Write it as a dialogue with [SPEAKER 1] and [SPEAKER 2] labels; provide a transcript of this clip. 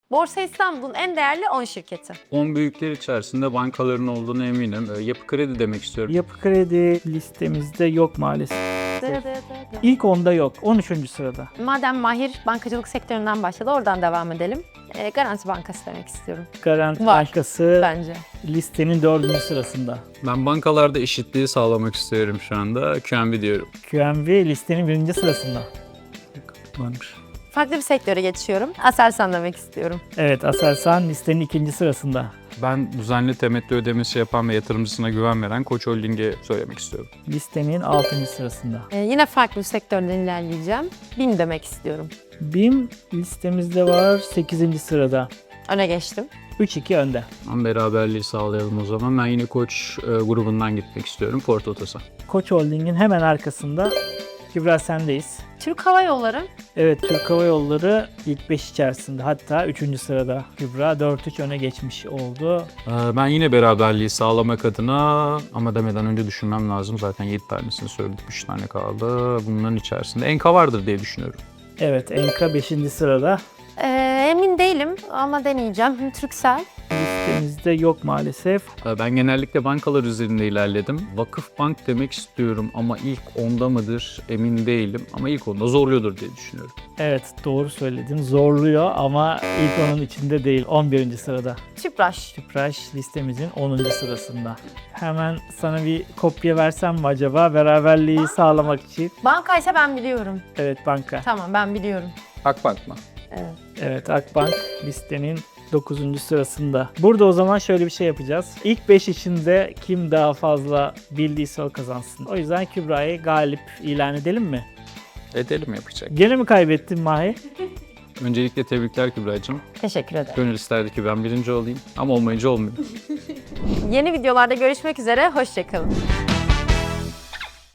[SPEAKER 1] Borsa İstanbul'un en değerli 10 şirketi.
[SPEAKER 2] 10 büyükler içerisinde bankaların olduğunu eminim. Yapı Kredi demek istiyorum.
[SPEAKER 3] Yapı Kredi listemizde yok maalesef. İlk 10'da yok. 13. sırada.
[SPEAKER 1] Madem Mahir bankacılık sektöründen başladı, oradan devam edelim. Garanti Bankası demek istiyorum.
[SPEAKER 3] Garanti
[SPEAKER 1] Var.
[SPEAKER 3] Bankası
[SPEAKER 1] Bence.
[SPEAKER 3] listenin 4. sırasında.
[SPEAKER 2] Ben bankalarda eşitliği sağlamak istiyorum şu anda. QNB diyorum.
[SPEAKER 3] QNB listenin 1. sırasında.
[SPEAKER 2] Varmış.
[SPEAKER 1] Farklı bir sektöre geçiyorum. Aselsan demek istiyorum.
[SPEAKER 3] Evet, Aselsan listenin 2. sırasında.
[SPEAKER 2] Ben düzenli temettü ödemesi yapan ve yatırımcısına güven veren Koç Holding'i söylemek istiyorum.
[SPEAKER 3] Listenin 6. sırasında.
[SPEAKER 1] Yine farklı bir sektörden ilerleyeceğim. BİM demek istiyorum.
[SPEAKER 3] BİM listemizde var 8. sırada.
[SPEAKER 1] Öne geçtim.
[SPEAKER 3] 3-2 önde.
[SPEAKER 2] Ama beraberliği sağlayalım o zaman. Ben yine Koç grubundan gitmek istiyorum. Ford Otosan.
[SPEAKER 3] Koç Holding'in hemen arkasında. Kübra sendeyiz.
[SPEAKER 1] Türk Hava Yolları.
[SPEAKER 3] Evet, Türk Hava Yolları ilk 5 içerisinde, hatta 3. sırada. Kübra 4-3 öne geçmiş oldu.
[SPEAKER 2] Ben yine beraberliği sağlamak adına ama demeden önce düşünmem lazım. Zaten 7 tanesini söyledik. 3 tane kaldı. Bunların içerisinde Enka vardır diye düşünüyorum.
[SPEAKER 3] Evet, Enka 5. sırada.
[SPEAKER 1] Emin değilim ama deneyeceğim. Türksel.
[SPEAKER 3] Listemizde yok maalesef.
[SPEAKER 2] Ben genellikle bankalar üzerinde ilerledim. Vakıfbank demek istiyorum ama ilk 10'da mıdır emin değilim. Ama ilk 10'da zorluyordur diye düşünüyorum.
[SPEAKER 3] Evet, doğru söyledin. Zorluyor ama ilk onun içinde değil. 11. sırada.
[SPEAKER 1] Tüpraş.
[SPEAKER 3] Tüpraş listemizin 10. sırasında. Hemen sana bir kopya versem mi acaba beraberliği sağlamak için?
[SPEAKER 1] Bankaysa ben biliyorum.
[SPEAKER 3] Evet, banka.
[SPEAKER 1] Tamam, ben biliyorum.
[SPEAKER 2] Akbank mı?
[SPEAKER 1] Evet.
[SPEAKER 3] Evet, Akbank listenin 9. sırasında. Burada o zaman şöyle bir şey yapacağız. İlk 5 içinde kim daha fazla bildiyse o kazansın. O yüzden Kübra'yı galip ilan edelim mi?
[SPEAKER 2] Edelim yapacak.
[SPEAKER 3] Gene mi kaybettin Mahi?
[SPEAKER 2] Öncelikle tebrikler Kübra'cığım.
[SPEAKER 1] Teşekkür ederim.
[SPEAKER 2] Gönül isterdi ki ben birinci olayım ama olmayınca olmuyor.
[SPEAKER 1] Yeni videolarda görüşmek üzere. Hoşça kalın.